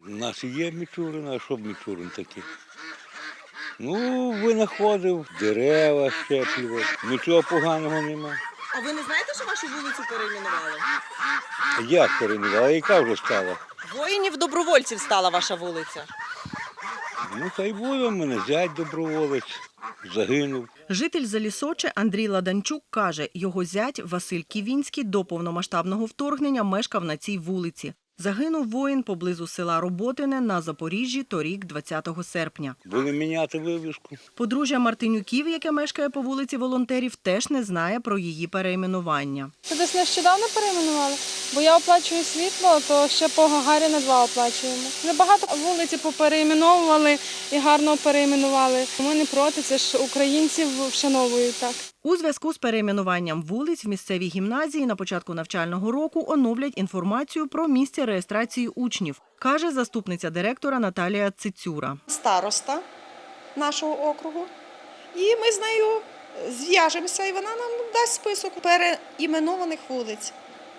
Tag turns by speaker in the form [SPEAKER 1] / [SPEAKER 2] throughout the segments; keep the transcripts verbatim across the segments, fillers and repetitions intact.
[SPEAKER 1] У нас і є Мічурин, а що б Мічурин такий? Ну, винаходив, дерева щеплював, нічого поганого нема.
[SPEAKER 2] А ви не знаєте, що вашу вулицю перейменували?
[SPEAKER 1] Як перейменувала, яка вже стала?
[SPEAKER 2] Воїнів-добровольців стала ваша вулиця.
[SPEAKER 1] Ну, та й буде в мене зять доброволець, загинув.
[SPEAKER 3] Житель Залісоче Андрій Ладанчук каже, його зять Василь Ківінський до повномасштабного вторгнення мешкав на цій вулиці. Загинув воїн поблизу села Роботине на Запоріжжі торік двадцятого серпня.
[SPEAKER 1] Були міняти вивіску.
[SPEAKER 3] Подружжя Мартинюків, яке мешкає по вулиці Волонтерів, теж не знає про її перейменування.
[SPEAKER 4] Це десь нещодавно перейменували, бо я оплачую світло, то ще по Гагаріна два оплачуємо. Небагато вулиці поперейменовували і гарно перейменували. Ми не проти, це ж українців вшановують так.
[SPEAKER 3] У зв'язку з перейменуванням вулиць в місцевій гімназії на початку навчального року оновлять інформацію про місце реєстрації учнів, каже заступниця директора Наталія Цицюра.
[SPEAKER 5] Староста нашого округу, і ми з нею зв'яжемося, і вона нам дасть список переіменованих вулиць.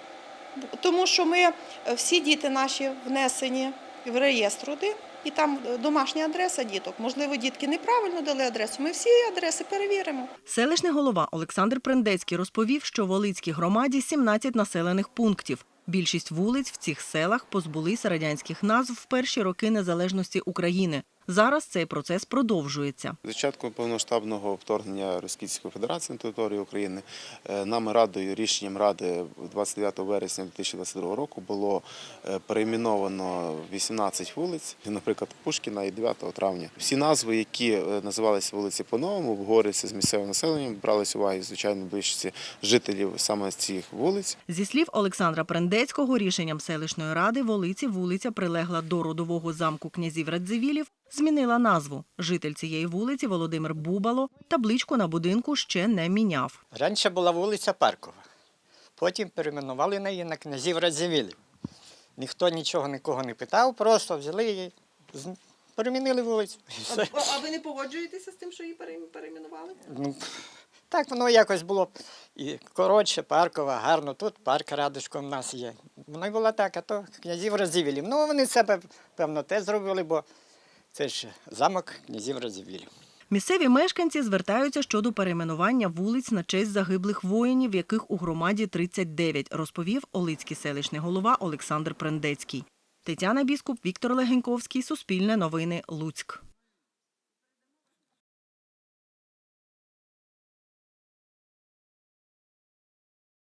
[SPEAKER 5] Тому що ми, всі діти наші внесені в реєстр один, і там домашня адреса діток. Можливо, дітки неправильно дали адресу, ми всі адреси перевіримо.
[SPEAKER 3] Селищний голова Олександр Прендецький розповів, що в Волицькій громаді сімнадцять населених пунктів. Більшість вулиць в цих селах позбулися радянських назв в перші роки незалежності України. Зараз цей процес продовжується.
[SPEAKER 6] З початку повномасштабного вторгнення Російської Федерації на територію України нами Радою, рішенням Ради двадцять дев'ятого вересня дві тисячі двадцять другого року було перейменовано вісімнадцять вулиць, наприклад, Пушкіна і дев'ятого травня. Всі назви, які називалися вулиці по-новому, обговорюються з місцевим населенням, бралися уваги, звичайно, більшості жителів саме з цих вулиць.
[SPEAKER 3] Зі слів Олександра Прендецького, рішенням селищної ради Волиці вулиця прилегла до родового замку князів Радзивілів, змінила назву. Житель цієї вулиці Володимир Бубало табличку на будинку ще не міняв.
[SPEAKER 7] Раніше була вулиця Паркова, потім перейменували її на князів Радзивілів. Ніхто нічого нікого не питав, просто взяли її, перейменили вулицю.
[SPEAKER 2] А, а ви не погоджуєтеся з тим, що її перейменували?
[SPEAKER 7] Ну, так воно якось було і коротше, Паркова, гарно, тут парк Радужком в нас є. Воно й було так, а то князів Радзивілів. Ну, вони себе, певно, те зробили, бо це ж замок князів Радзивілів.
[SPEAKER 3] Місцеві мешканці звертаються щодо перейменування вулиць на честь загиблих воїнів, яких у громаді тридцять дев'ять, розповів Олицький селищний голова Олександр Прендецький. Тетяна Біскуп, Віктор Легеньковський, Суспільне новини, Луцьк.